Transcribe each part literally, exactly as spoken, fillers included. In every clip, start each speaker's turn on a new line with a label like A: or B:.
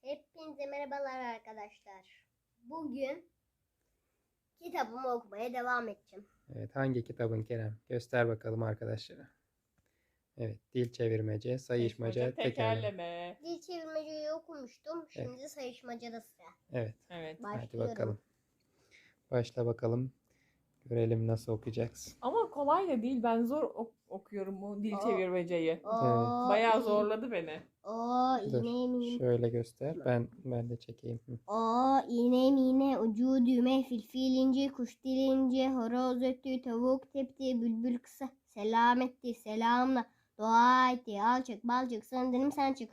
A: Hepinize merhabalar arkadaşlar. Bugün kitabımı okumaya devam edeceğim.
B: Evet, hangi kitabın Kerem? Göster bakalım arkadaşlara. Evet, dil çevirmece, sayışmaca, tekerleme.
C: tekerleme.
A: Dil çevirmeceyi okumuştum. Şimdi
B: Evet.
A: sayışmacada sıra.
B: Evet,
C: Evet.
B: hadi
A: Başlıyorum.
B: bakalım. Başla bakalım. Görelim nasıl okuyacaksın.
C: Ama kolay da değil. Ben zor ok- okuyorum bu dil
A: Aa.
C: çevirmeceyi.
A: Oo,
C: Bayağı
A: iyi.
C: zorladı beni.
A: Oo,
B: Dur,
A: iğne mine.
B: şöyle göster. Ben ben de çekeyim. Hı.
A: Oo, iğne mine, ucu düğme, fil fil ince, kuş dil ince, horoz öttü, tavuk tepti, bülbül kısa, selam etti, selamla, dua etti, al çık, bal çık, sanırım sen çık.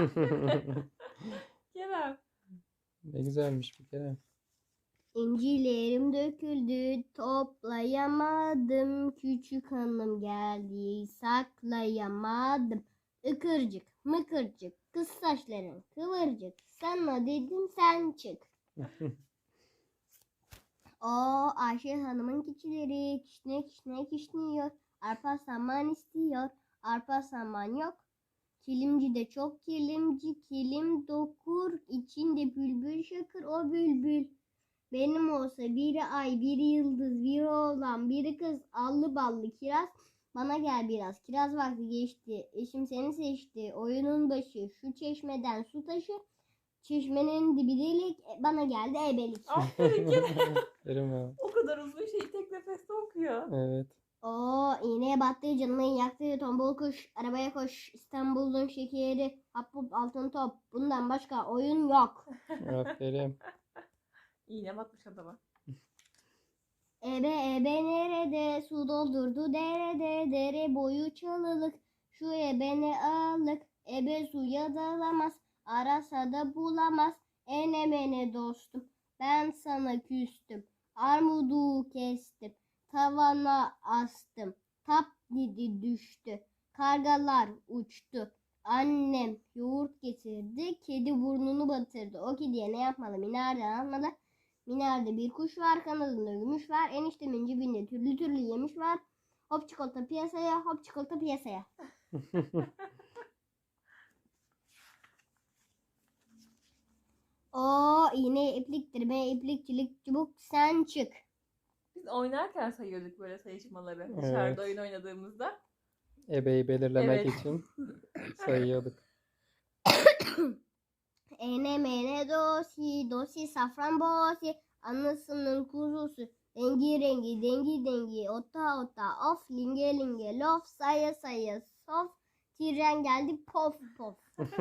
C: Kerem.
B: Ne güzelmiş bir Kerem.
A: İncilerim döküldü, toplayamadım. Küçük hanım geldi, saklayamadım. Ikırcık, mıkırcık, kız saçların kıvırcık. Sana dedim sen çık. O Ayşe Hanım'ın keçileri kişne kişne kişniyor. Arpa saman istiyor, arpa saman yok. Kilimci de çok kilimci, kilim dokur. İçinde bülbül şakır o bülbül. Benim olsa biri ay, biri yıldız, biri oğlan, biri kız, allı ballı kiraz. Bana gel biraz, kiraz vakti geçti. Eşim seni seçti, oyunun başı. Şu çeşmeden su taşı. Çeşmenin dibi delik, bana geldi ebelik.
C: Aferin Kerem.
B: Kerem abi.
C: O kadar uzun şeyi tek nefeste okuyor.
B: Evet.
A: Oo, iğneye battı, canımı yaktı, tombul kuş, arabaya koş, İstanbul'un şekeri, hap hup altın top. Bundan başka oyun yok.
B: Aferin.
C: İğne batmış adama.
A: Ebe ebe nerede, su doldurdu derede, dere boyu çalılık, şu ebe ne ağırlık, ebe suya dalamaz, arasa da bulamaz, ene mene dostum, ben sana küstüm, armudu kestim, tavana astım, tap dedi düştü, kargalar uçtu, annem yoğurt getirdi, kedi burnunu batırdı, o kediye ne yapmalı, minareden almalı. Minerde bir kuş var, kanadında gümüş var, eniştemin cebinde türlü türlü yemiş var. Hop çikolata piyasaya, hop çikolata piyasaya. O iğne ipliktir, be iplikçilik çubuk sen çık.
C: Biz oynarken sayıyorduk böyle sayışmaları.
B: Evet.
C: Dışarıda oyun oynadığımızda.
B: Ebeyi belirlemek
C: Evet.
B: için sayıyorduk.
A: Ene mene dosi, dosi safran bosi, anasının kuzusu. Rengi rengi, dengi dengi, ota ota, of linge linge, lof saya saya, sof. Tren geldi pof pof.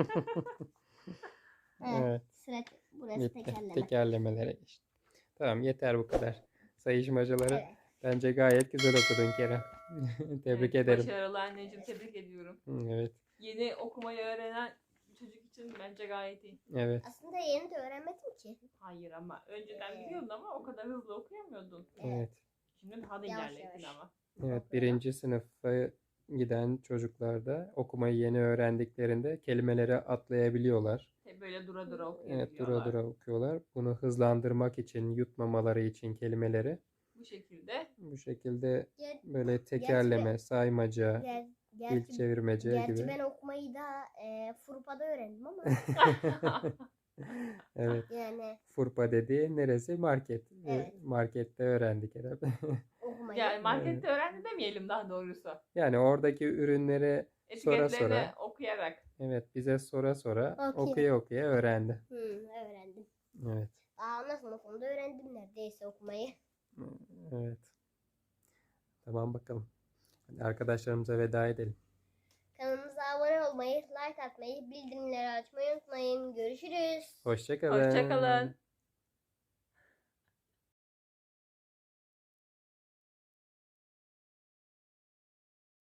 A: Evet,
B: Evet.
A: sıra burası
B: Bitti.
A: tekerleme.
B: Tekerlemelere geçti. Tamam, yeter bu kadar. Sayışmacaları
A: Evet.
B: bence gayet güzel okudun Kerem. Tebrik
C: Evet,
B: ederim.
C: Başarılı anneciğim, tebrik ediyorum.
B: Evet.
C: Yeni okumayı öğrenen bir çocuk için bence gayet iyi.
B: Evet.
A: Aslında yeni de öğrenmedim ki.
C: Hayır ama önceden
A: Evet.
C: biliyordun ama o kadar hızlı okuyamıyordun.
B: Evet.
C: Şimdi daha da
A: Yavaş
C: ilerlettin
A: yavaş.
C: ama.
B: Evet, birinci sınıfa giden çocuklarda okumayı yeni öğrendiklerinde kelimeleri atlayabiliyorlar.
C: Hep böyle dura dura
B: Evet,
C: okuyabiliyorlar.
B: dura dura okuyorlar. Bunu hızlandırmak için, yutmamaları için kelimeleri
C: Bu şekilde.
B: bu şekilde
A: Ger-
B: böyle tekerleme,
A: Gerçi
B: saymaca,
A: ger-
B: dil
A: gerçi,
B: çevirmece
A: gerçi
B: gibi.
A: ben okumayı da e, Furpa'da öğrendim ama
B: Evet.
A: yani
B: Furpa dediği neresi? Market. Ve
A: Evet.
B: markette öğrendik herhalde.
A: okumayı.
C: Yani markette öğrendi demeyelim daha doğrusu.
B: Yani oradaki ürünleri sonra
C: Etiketlerini
B: sonra,
C: okuyarak.
B: evet, bize sonra sonra
A: Okuya.
B: okuya okuya öğrendi.
A: Hı, öğrendim.
B: Evet.
A: Aa, sınıfında öğrendim neredeyse okumayı.
B: Evet. Tamam bakalım. Hadi arkadaşlarımıza veda edelim.
A: Kanalımıza abone olmayı, like atmayı, bildirimleri açmayı unutmayın. Görüşürüz.
B: Hoşça kalın.
C: Hoşçakalın.